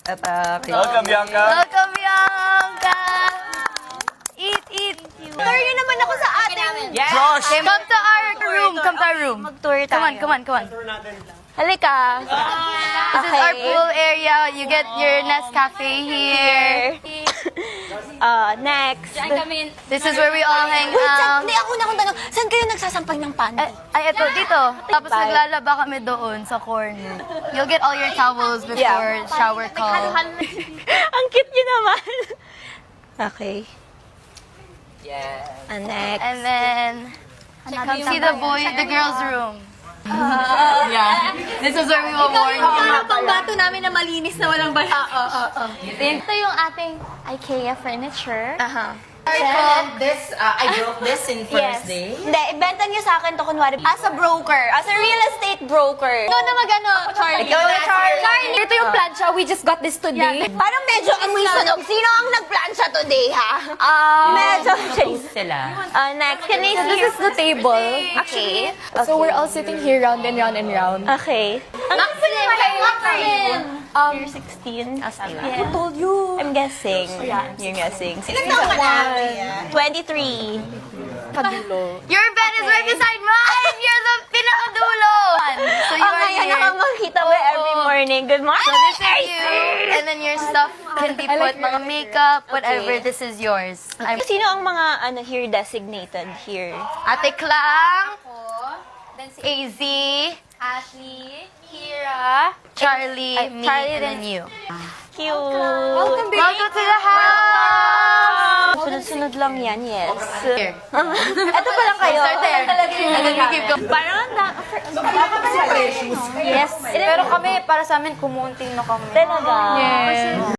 Welcome, Bianca. Welcome, Bianca! Eat! Tour yun naman ako sa ating... Josh! Come to our room. Come to our room. Mag-tour tayo. Come on. Halika. This is our pool area. You get your Nescafe here. Next. This is where we all hang Wait, out. hindi ako na akong tanong. Saan kayo nagsasampay ng pan? Ay, eto, dito. Tapos naglalaba kami doon sa corner. You'll get all your towels before shower call. Ang cute nyo naman. Okay. Next. And then, come see the girls' room. This is where we will warn you. pangbato namin na malinis na walang bala. Ito yung ating IKEA furniture. This, I broke this in first day. Hindi, ibenta niyo sa akin to kunwari as a broker, as a real estate broker. Ikaw na mag-ano, Charlie. Ikaw na, Charlie. Ito yung plancha. We just got this today. Parang medyo amoy sunog. Sino ang nagplansya today, ha? Medyo. Sila. Next, can I see? This is the table. Okay. So we're all sitting here round and round and round. Okay. Maxim! You're 16? Who told you? I'm guessing. You're guessing. 61. 23. Your bed is right beside mine! You're the pinakadulo! So you are Ngayon here. ako makita mo every morning. Good morning. So this is you. And then your stuff can be put, mga makeup, whatever. This is yours. Sino ang mga here designated here? Ate Clang, AZ, Ashley, Kira, Charlie, me, and then you. Cute. Welcome to the house! Sunod-sunod lang yan, yes. Here. Ito pa lang kayo. Start there. And then we keep going. Parang yes. Pero kami, para sa amin, kumunti na kami. Talaga. Yes.